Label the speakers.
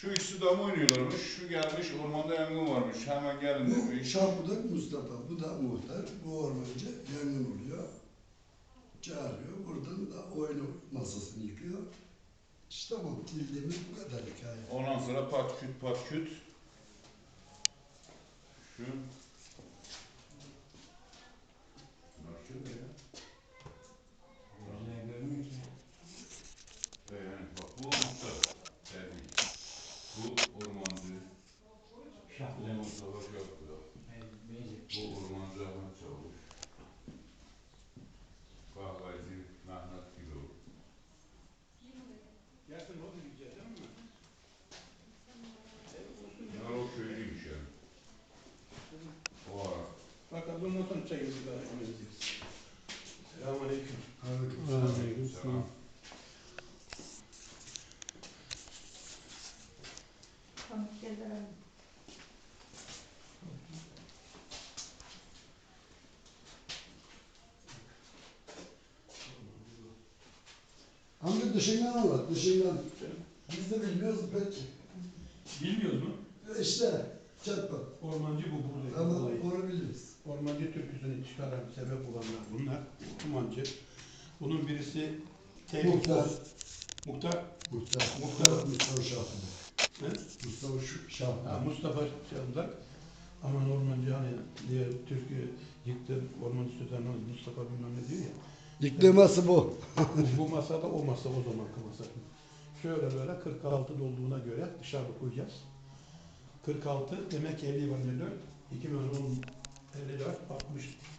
Speaker 1: Şu ikisi de mı oynuyorlarmış? Şu gelmiş ormanda yangın varmış. Hemen gelin
Speaker 2: Bu
Speaker 1: demiş.
Speaker 2: Şahbudak Mustafa, bu da muhtar. Bu ormancı yangın oluyor. Çağırıyor. Buradan da oyunu masasını yıkıyor. İşte bu bildiğimiz bu kadar hikaye.
Speaker 1: Ondan sonra pat küt pat küt. Şu. Nasıl ya?
Speaker 3: Gözüne görmüyor ki.
Speaker 1: Yani bak bu muhtar. Yani bu ormancı. Bu
Speaker 3: Şahlı.
Speaker 1: Mustafa Şahbudak. Bu ormancı Ahmet Çavuş. Kahvacı Mehmet Gülov.
Speaker 3: Gelsin o da güzel değil mi?
Speaker 1: Bunlar o köylüymüş yani. O ara.
Speaker 3: Fakat bundan sonra çayımızı daha edeceğiz. Selamünaleyküm.
Speaker 1: Selam.
Speaker 4: Pamuk geldiler.
Speaker 2: Amca dışından anlat, dışından. Biz de bilmiyoruz pek.
Speaker 3: Bilmiyoruz mu?
Speaker 2: İşte çatpat.
Speaker 3: Ormancı bu buradaki
Speaker 2: Ama
Speaker 3: olayı.
Speaker 2: onu biliriz.
Speaker 3: Ormancı türküsünü çıkaran sebep olanlar bunlar. Ormancı. Bunun birisi Tevfik
Speaker 2: Muhtar.
Speaker 3: Muhtar.
Speaker 2: Mustafa Şahbudak.
Speaker 3: He?
Speaker 2: Mustafa
Speaker 3: Ha,
Speaker 2: Şahbudak.
Speaker 3: Mustafa Şahbudak. Ama ormancı hani diğer türkü yıktı ormancı sözlerine Mustafa bilmem ne diyor ya.
Speaker 2: Yıktırması bu.
Speaker 3: Bu masada o masa o zamanki masa. Şöyle böyle 46 dolduğuna göre dışarıda koyacağız. 46 demek 50 var 54. 2010 54 60